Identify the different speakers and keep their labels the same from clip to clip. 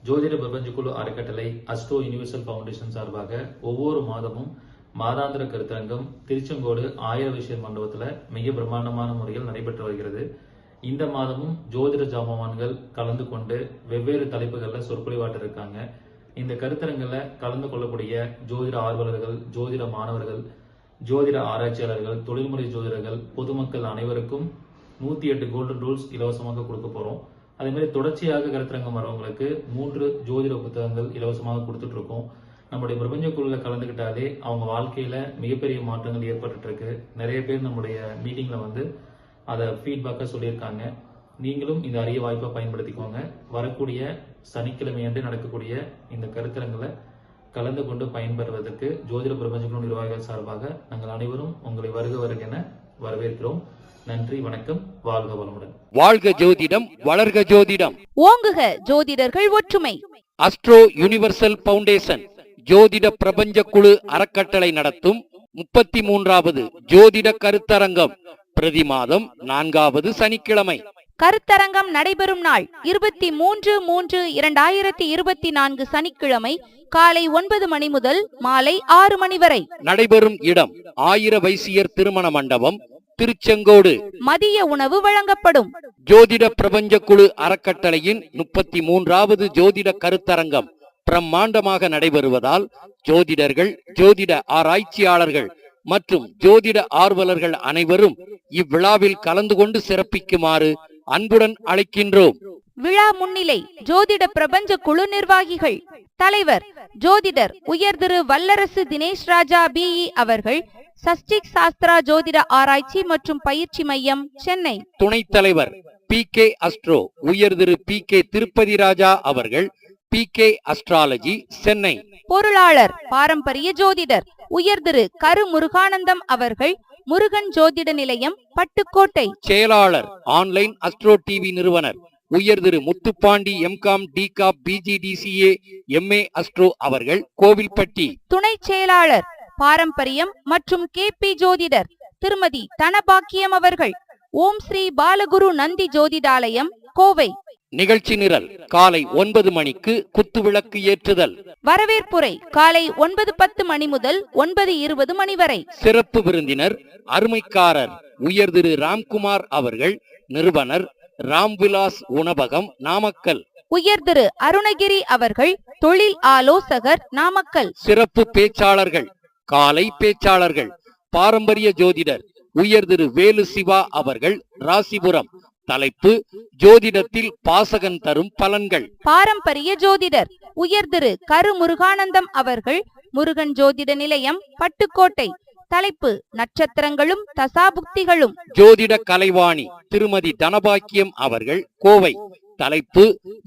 Speaker 1: ஜோதிட பிரபஞ்ச குழு அறக்கட்டளை அஸ்ட்ரோ யூனிவர்சல் ஃபவுண்டேஷன் சார்பாக ஒவ்வொரு மாதமும் மாதாந்திர கருத்தரங்கம் திருச்செங்கோடு ஆயிர விஷயம் மண்டபத்தில் மிக பிரம்மாண்டமான முறையில் நடைபெற்று வருகிறது. இந்த மாதமும் ஜோதிட ஜாமவான்கள் கலந்து கொண்டு வெவ்வேறு தலைப்புகளில் சொற்பொழிவாட்ட இருக்காங்க. இந்த கருத்தரங்கில் கலந்து கொள்ளக்கூடிய ஜோதிட ஆர்வலர்கள், ஜோதிட மாணவர்கள், ஜோதிட ஆராய்ச்சியாளர்கள், தொழில்முறை ஜோதிடர்கள், பொதுமக்கள் அனைவருக்கும் 108 கோல்டன் ரூல்ஸ் இலவசமாக கொடுக்க போறோம். அதே மாதிரி தொடர்ச்சியாக கருத்தரங்கம் வரவங்களுக்கு 3 ஜோதிட புத்தகங்கள் இலவசமாக கொடுத்துட்டு இருக்கோம். நம்முடைய பிரபஞ்ச குழுவில் கலந்துக்கிட்டாலே அவங்க வாழ்க்கையில மிகப்பெரிய மாற்றங்கள் ஏற்பட்டு இருக்கு. நிறைய பேர் நம்முடைய மீட்டிங்ல வந்து அதை ஃபீட்பேக்கா சொல்லியிருக்காங்க. நீங்களும் இந்த அரிய வாய்ப்பை பயன்படுத்திக்கோங்க. வரக்கூடிய சனிக்கிழமையன்று நடக்கக்கூடிய இந்த கருத்தரங்களை கலந்து கொண்டு பயன்பெறுவதற்கு ஜோதிட பிரபஞ்ச குழு நிர்வாகிகள் சார்பாக நாங்கள் அனைவரும் உங்களை வருக என வரவேற்கிறோம். நன்றி, வணக்கம், வாழ்க வளமுடன்.
Speaker 2: வாழ்க ஜோதிடம், வளர்க ஜோதிடம்,
Speaker 3: ஓங்குக ஜோதிடர்கள் ஒற்றுமை.
Speaker 2: அஸ்ட்ரோ யூனிவர்சல் ஃபவுண்டேஷன் ஜோதிட பிரபஞ்ச குழு அறக்கட்டளை நடத்தும் 33வது ஜோதிட கருத்தரங்கம் பிரதி மாதம் 4வது சனிக்கிழமை.
Speaker 3: கருத்தரங்கம் நடைபெறும் நாள் 23/3/2024 சனிக்கிழமை காலை 9 மணி முதல் மாலை 6 மணி வரை.
Speaker 2: நடைபெறும் இடம் ஆயிர வைசியர் திருமண மண்டபம், திருச்செங்கோடு.
Speaker 3: மதிய உணவு வழங்கப்படும்.
Speaker 2: ஜோதிட பிரபஞ்ச குழு அறக்கட்டளையின் 33வது ஜோதிட கருத்தரங்கம் பிரம்மாண்டமாக நடைபெறுவதால் ஜோதிடர்கள், ஜோதிட ஆராய்ச்சியாளர்கள் மற்றும் ஜோதிட ஆர்வலர்கள் அனைவரும் இவ்விழாவில் கலந்து கொண்டு சிறப்பிக்குமாறு அன்புடன் அழைக்கின்றோம்.
Speaker 3: விழா முன்னிலை ஜோதிட பிரபஞ்ச குழு நிர்வாகிகள். தலைவர் ஜோதிடர் உயர் திரு வல்லரசு தினேஷ் ராஜா பிஇ அவர்கள், சஷ்டிக் சாஸ்திரா ஜோதிட ஆராய்ச்சி மற்றும் பயிற்சி மையம், சென்னை.
Speaker 2: துணைத் தலைவர் PK அஸ்ட்ரோ உயர் திரு PK திருப்பதி ராஜா அவர்கள், PK அஸ்ட்ராலஜி, சென்னை.
Speaker 3: பொருளாளர் பாரம்பரிய ஜோதிடர் உயர் திரு கரு முருகானந்தம் அவர்கள், முருகன் ஜோதிட நிலையம், பட்டுக்கோட்டை.
Speaker 2: செயலாளர் ஆன்லைன் அஸ்ட்ரோ டிவி நிறுவனர் உயர் திரு Muthupandi MCom DCOM BGDCA MA Astro அவர்கள், கோவில்பட்டி.
Speaker 3: துணை செயலாளர் பாரம்பரியம் மற்றும் KP ஜோதிடர் திருமதி தனபாக்கியம் அவர்கள், ஓம் ஸ்ரீ பாலகுரு நந்தி ஜோதிடாலயம், கோவை.
Speaker 2: நிகழ்ச்சி நிரல் காலை 9 மணிக்கு குத்துவிளக்கு ஏற்றுதல்.
Speaker 3: வரவேற்புரை காலை 9:10 மணி முதல் 9:20 மணி வரை.
Speaker 2: சிறப்பு விருந்தினர் அருமைக்காரர் உயர் திரு ராம்குமார் அவர்கள், நிறுவனர் ராம்விலாஸ் உணவகம், நாமக்கல்.
Speaker 3: உயர் திரு அருணகிரி அவர்கள், தொழில் ஆலோசகர், நாமக்கல்.
Speaker 2: சிறப்பு பேச்சாளர்கள் காலை பேச்சாளர்கள் பாரம்பரிய ஜோதிடர் உயர் திரு வேலு சிவா அவர்கள், ராசிபுரம். தலைப்பு ஜோதிடத்தில் பாசகன் தரும் பலன்கள்.
Speaker 3: பாரம்பரிய ஜோதிடர் உயர் திரு கரு முருகானந்தம் அவர்கள், முருகன் ஜோதிட நிலையம், பட்டுக்கோட்டை. தலைப்பு நட்சத்திரங்களும் தசாபுக்திகளும்.
Speaker 2: ஜோதிட கலைவாணி திருமதி தனபாக்கியம் அவர்கள், கோவை. தலைப்பு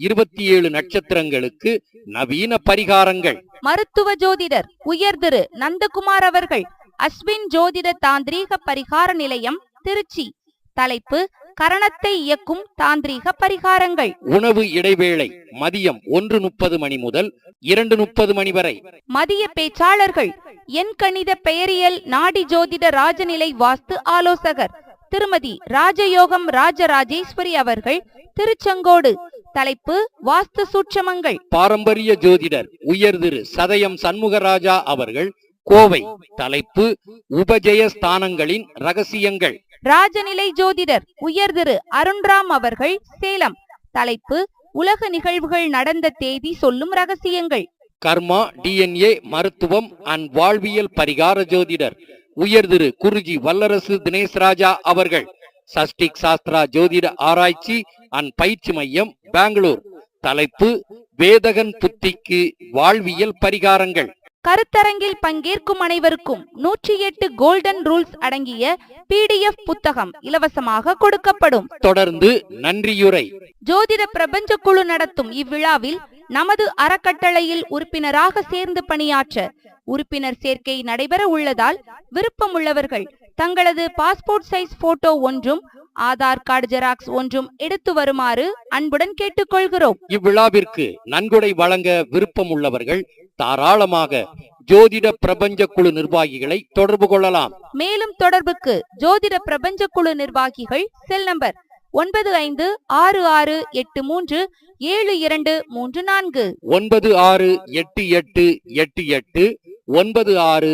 Speaker 2: 27 நட்சத்திரங்களுக்கு நவீன பரிகாரங்கள்.
Speaker 3: மருத்துவ ஜோதிடர் உயர் திரு நந்தகுமார் அவர்கள், அஸ்வின் ஜோதிட தாந்திரீக பரிகார நிலையம், திருச்சி. தலைப்பு கரணத்தை இயக்கும் தாந்திரீக பரிகாரங்கள்.
Speaker 2: உணவு இடைவேளை மதியம் 1:30 மணி முதல் 2:30 மணி வரை.
Speaker 3: மதிய பேச்சாளர்கள் எண் கணித பெயரியல் நாடி ஜோதிட ராஜநிலை வாஸ்து ஆலோசகர் திருமதி ராஜயோகம் ராஜராஜேஸ்வரி அவர்கள், திருச்செங்கோடு. தலைப்பு வாஸ்து சூட்சமங்கள்.
Speaker 2: பாரம்பரிய ஜோதிடர் உயர் திரு சதயம் சண்முகராஜா அவர்கள், கோவை. தலைப்பு உபஜய ஸ்தானங்களின் ரகசியங்கள்.
Speaker 3: ராஜநிலை ஜோதிடர் உயர் திரு அருண்ராம் அவர்கள், சேலம். தலைப்பு உலக நிகழ்வுகள் நடந்த தேதி சொல்லும் ரகசியங்கள்.
Speaker 2: கர்மா DNA மருத்துவம் அண்ட் வாழ்வியல் பரிகார ஜோதிடர் உயர் திரு குருஜி வல்லரசு தினேஷ் ராஜா அவர்கள், சஷ்டிக் சாஸ்திரா ஜோதிட ஆராய்ச்சி அண்ட் பயிற்சி மையம், பெங்களூர். தலைப்பு வேதகன் புத்திக்கு வாழ்வியல் பரிகாரங்கள்.
Speaker 3: கருத்தரங்கில் பங்கேற்கும் அனைவருக்கும் 108 கோல்டன் ரூல்ஸ் அடங்கிய PDF புத்தகம் இலவசமாக கொடுக்கப்படும்.
Speaker 2: தொடர்ந்து நன்றியுரை.
Speaker 3: ஜோதிட பிரபஞ்ச குழு நடத்தும் இவ்விழாவில் நமது அறக்கட்டளையில் உறுப்பினராக சேர்ந்து பணியாற்ற உறுப்பினர் சேர்க்கை நடைபெற உள்ளதால் விருப்பம் உள்ளவர்கள் தங்களது பாஸ்போர்ட் சைஸ் போட்டோ ஒன்றும் ஆதார் கார்டு ஜெராக்ஸ் ஒன்றும் எடுத்து வருமாறு அன்புடன் கேட்டுக்கொள்கிறோம்.
Speaker 2: இவ்விழாவிற்கு நன்கொடை வழங்க விருப்பம் உள்ளவர்கள் தாராளமாக ஜோதிட பிரபஞ்ச குழு நிர்வாகிகளை தொடர்பு கொள்ளலாம்.
Speaker 3: மேலும் தொடர்புக்கு ஜோதிட பிரபஞ்ச குழு நிர்வாகிகள் செல் நம்பர் 9566837234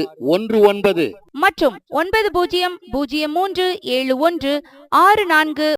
Speaker 2: 9688889619
Speaker 3: மற்றும் 90037164